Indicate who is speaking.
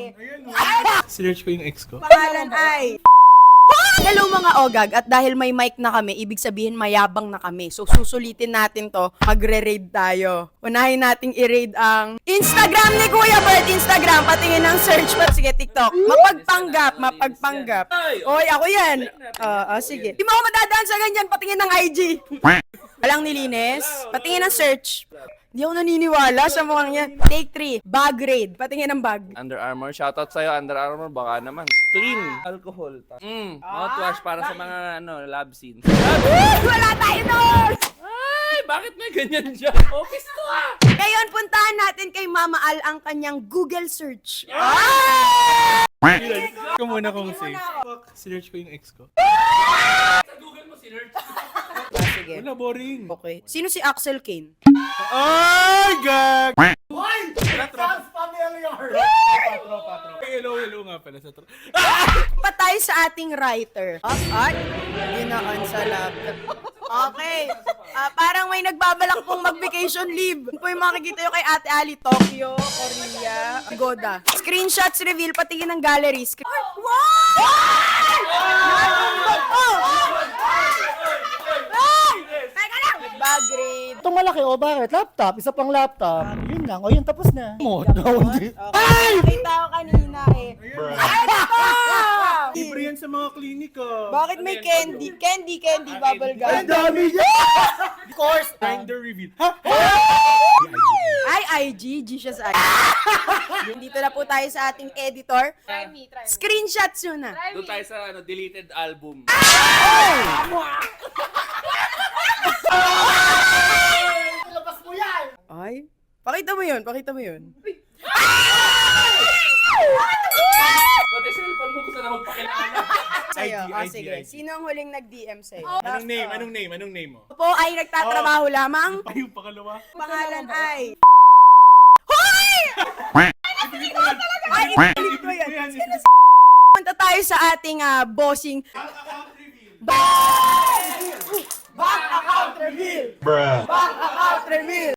Speaker 1: Sinerch ko yung ex ko.
Speaker 2: Pangalan ay... Hello mga ogag, at dahil may mic na kami, ibig sabihin mayabang na kami. So susulitin natin to, magre-raid tayo. Unahin nating i-raid ang Instagram ni Kuya Bert. Instagram, patingin ng search pa. Sige, TikTok. Mapagpanggap. Oy, ako yan. Sige. Di mo ako madadaan sa ganyan, patingin ng IG. Walang nilinis. Patingin ng search. Di ako naniniwala sa mukhang yan. Take 3, bag raid. Patingin ng bag.
Speaker 3: Under Armour. Shoutout sa'yo, Under Armour. Baka naman. Clean. Alcohol. Mouthwash para sa mga lab scenes.
Speaker 2: Wala tayo doon!
Speaker 3: Ay, bakit may ganyan siya? Office to ah!
Speaker 2: Ngayon, puntahan natin kay Mama Al ang kanyang Google search.
Speaker 1: Ko muna kung safe. Sinerch ko yung ex ko.
Speaker 3: Sa Google mo, sinerch.
Speaker 2: Sige.
Speaker 1: Wala, boring.
Speaker 2: Okay. Sino si Axel Kane?
Speaker 1: Ay, gag! Hello nga pala sa tropa.
Speaker 2: Patay sa ating writer. At ginaan sa laptop. Okay. Parang may nagbabalak pong mag-vacation leave. Yun po yung makikita nyo kay Ate Ali. Tokyo, Korea, Goda. Screenshots reveal, patingin ng gallery. Wow! Teka lang! Bag raid.
Speaker 4: Itong malaki, o bakit? Laptop, isa pang laptop. Yun lang, o yun tapos na. Mo, hindi.
Speaker 2: Ay! Nakita ko kanina eh. Ano ba?
Speaker 1: Libre yan sa mga klinika.
Speaker 2: Bakit may candy? Candy, bubble gum.
Speaker 4: Ang dami niya! Of course!
Speaker 1: Finder reveal. Ha?
Speaker 2: Ay, IG, G siya sa akin. Dito na po tayo sa ating editor.
Speaker 5: Try me.
Speaker 2: Screenshots yun na.
Speaker 3: Doon tayo sa deleted album.
Speaker 4: Labas mo yan!
Speaker 2: Ay, pakita mo yun.
Speaker 3: Pati cellphone mo kung saan na magpakilala.
Speaker 2: Sa'yo,
Speaker 1: IG,
Speaker 2: sige.
Speaker 1: IG.
Speaker 2: Sino ang huling nag-DM sa'yo?
Speaker 1: Anong name mo?
Speaker 2: Po ay nagtatrabaho lamang.
Speaker 1: Ay, yung pakalawa.
Speaker 2: Pangalan ay... Hoy! Ay, ipilit ko yan. Punta tayo sa ating bossing... Back account reveal! Back account reveal!